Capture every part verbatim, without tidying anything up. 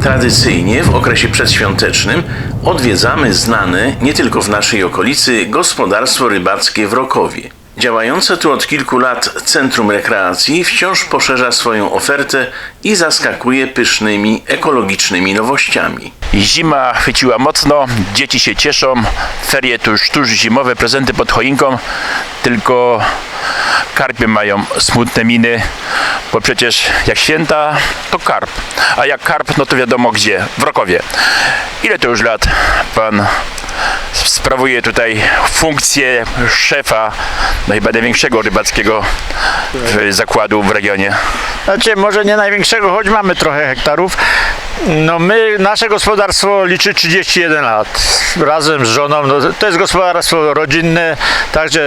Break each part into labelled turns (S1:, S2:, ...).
S1: Tradycyjnie w okresie przedświątecznym odwiedzamy znane nie tylko w naszej okolicy gospodarstwo rybackie w Rokowie. Działające tu od kilku lat Centrum Rekreacji wciąż poszerza swoją ofertę i zaskakuje pysznymi, ekologicznymi nowościami.
S2: Zima chwyciła mocno, dzieci się cieszą, ferie tuż, tuż zimowe, prezenty pod choinką, tylko karpie mają smutne miny, bo przecież jak święta, to karp, a jak karp, no to wiadomo gdzie, w Rokowie. Ile to już lat pan sprawuje tutaj funkcję szefa, no chyba największego rybackiego zakładu w regionie?
S3: Znaczy, może nie największego, choć mamy trochę hektarów. No my, nasze gospodarstwo liczy trzydzieści jeden lat. Razem z żoną, no to jest gospodarstwo rodzinne, także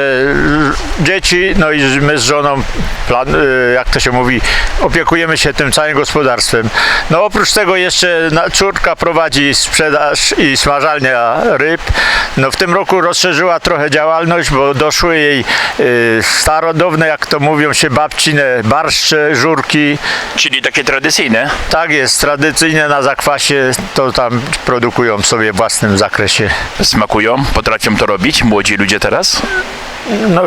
S3: dzieci, no i my z żoną, plan, jak to się mówi, opiekujemy się tym całym gospodarstwem. No oprócz tego jeszcze córka prowadzi sprzedaż i smażalnia ryb. No w tym roku rozszerzyła trochę działalność, bo doszły jej y, starodawne, jak to mówią się, babcine barszcze, żurki.
S2: Czyli takie tradycyjne?
S3: Tak jest, tradycyjne na zakwasie, to tam produkują sobie w własnym zakresie.
S2: Smakują? Potrafią to robić młodzi ludzie teraz?
S3: No,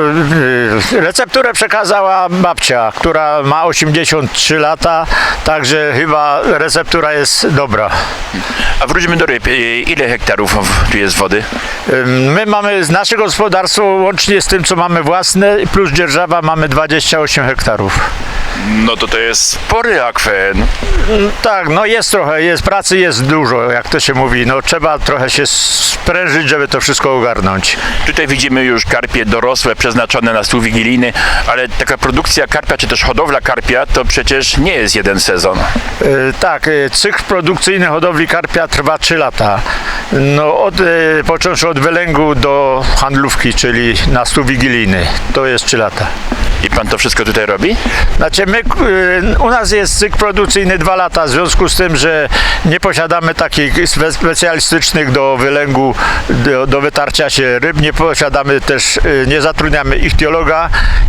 S3: y, recepturę przekazała babcia, która ma osiemdziesiąt trzy lata, także chyba receptura jest dobra.
S2: A wróćmy do ryb. Ile hektarów tu jest wody?
S3: Y, My mamy, z nasze gospodarstwo łącznie z tym, co mamy własne, plus dzierżawa, mamy dwadzieścia osiem hektarów.
S2: No to to jest spory akwen.
S3: Tak, no jest trochę, jest pracy, jest dużo, jak to się mówi, no trzeba trochę się sprężyć, żeby to wszystko ogarnąć.
S2: Tutaj widzimy już karpie dorosłe, przeznaczone na stół wigilijny, ale taka produkcja karpia, czy też hodowla karpia, to przecież nie jest jeden sezon.
S3: Y, tak, y, cykl produkcyjny hodowli karpia trwa trzy lata. No od, y, począwszy od wylęgu do handlówki, czyli na stół wigilijny, to jest trzy lata.
S2: I pan to wszystko tutaj robi?
S3: Znaczy my, y, u nas jest cykl produkcyjny dwa lata, w związku z tym, że nie posiadamy takich spe- specjalistycznych do wylęgu, do, do wytarcia się ryb, nie posiadamy też, y, nie zatrudniamy ichtiologa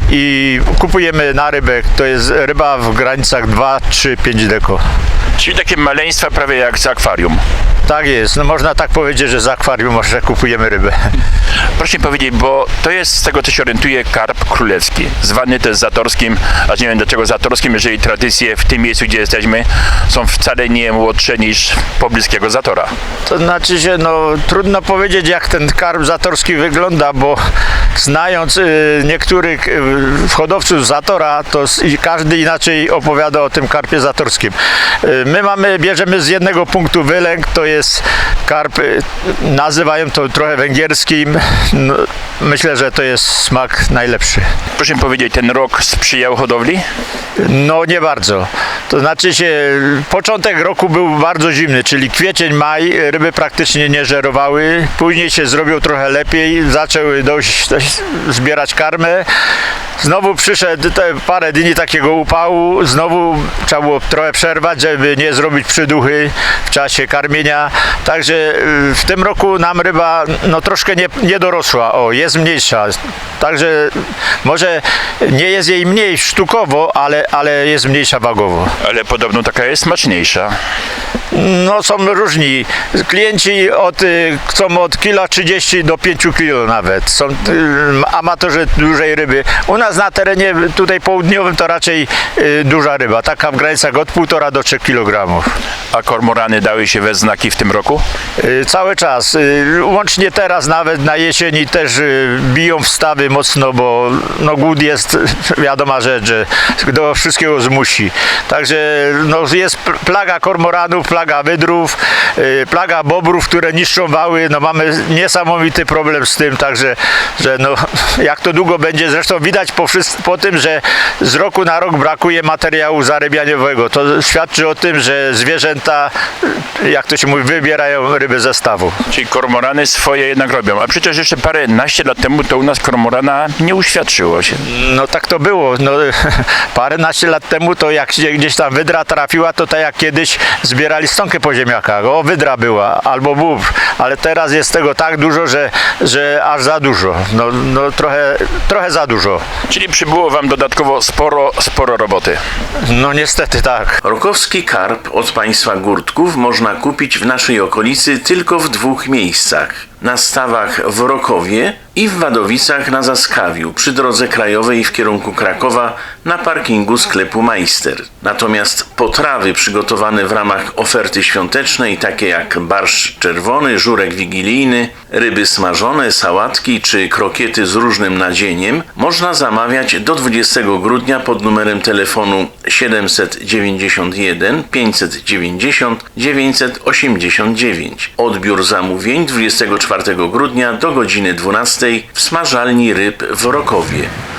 S3: i kupujemy na rybek, to jest ryba w granicach dwa, trzy, pięć deko.
S2: Czyli takie maleństwa prawie jak z akwarium.
S3: Tak jest, no można tak powiedzieć, że z akwarium może kupujemy rybę.
S2: Proszę mi powiedzieć, bo to jest, z tego co się orientuje, karp królewski, zwany też zatorskim, a nie wiem dlaczego zatorskim, jeżeli tradycje w tym miejscu, gdzie jesteśmy, są wcale nie młodsze niż pobliskiego zatora.
S3: To znaczy się, no trudno powiedzieć, jak ten karp zatorski wygląda, bo znając y, niektórych y, hodowców zatora, to s- i każdy inaczej opowiada o tym karpie zatorskim. Y, my mamy, bierzemy z jednego punktu wylęk, to jest karp, y, nazywają to trochę węgierskim, no, myślę, że to jest smak najlepszy.
S2: Proszę mi powiedzieć, ten rok sprzyjał hodowli?
S3: No nie bardzo. To znaczy się, początek roku był bardzo zimny, czyli kwiecień, maj, ryby praktycznie nie żerowały. Później się zrobił trochę lepiej, zaczęły dojść, dojść zbierać karmę. Znowu przyszedł te parę dni takiego upału, znowu trzeba było trochę przerwać, żeby nie zrobić przyduchy w czasie karmienia. Także y, w tym roku nam ryba no troszkę nie, nie dorosła, o, jest mniejsza. Także może nie jest jej mniej sztukowo, ale, ale jest mniejsza wagowo.
S2: Ale podobno taka jest smaczniejsza.
S3: No są różni. Klienci od, y, chcą od kilo trzydzieści do pięciu kilo nawet. Są y, amatorzy dużej ryby. U nas na terenie tutaj południowym to raczej y, duża ryba, taka w granicach od półtora do trzech kilogramów.
S2: A kormorany dały się we znaki w tym roku?
S3: Y, Cały czas. Y, Łącznie teraz nawet na jesieni też y, biją wstawy mocno, bo no, głód jest wiadoma rzecz, że do wszystkiego zmusi. Także no, jest pl- plaga kormoranów, plaga wydrów, y, plaga bobrów, które niszczą wały. No, mamy niesamowity problem z tym, także że no, jak to długo będzie, zresztą widać po, wszys- po tym, że z roku na rok brakuje materiału zarybianiowego. To świadczy o tym, że zwierzęta, jak to się mówi, wybierają ryby ze stawu.
S2: Czyli kormorany swoje jednak robią. A przecież jeszcze parę naście lat temu to u nas kormorana nie uświadczyło się.
S3: No tak to było. No, paręnaście lat temu to jak się gdzieś gdzieś tam wydra trafiła, to tak jak kiedyś zbierali stonkę po ziemniakach. O, wydra była, albo bóbr, ale teraz jest tego tak dużo, że, że aż za dużo. No, no trochę, trochę za dużo.
S2: Czyli przybyło Wam dodatkowo sporo, sporo roboty.
S3: No niestety tak.
S1: Rokowski karp od państwa Górtków można kupić w naszej okolicy tylko w dwóch miejscach. Na stawach w Rokowie i w Wadowicach na Zaskawiu, przy drodze krajowej w kierunku Krakowa na parkingu sklepu Majster. Natomiast potrawy przygotowane w ramach oferty świątecznej, takie jak barszcz czerwony, żurek wigilijny, ryby smażone, sałatki czy krokiety z różnym nadzieniem, można zamawiać do dwudziestego grudnia pod numerem telefonu siedemset dziewięćdziesiąt jeden pięćset dziewięćdziesiąt dziewięćset osiemdziesiąt dziewięć. Odbiór zamówień dwudziestego czwartego grudnia do godziny dwunastej w smażalni ryb w Rokowie.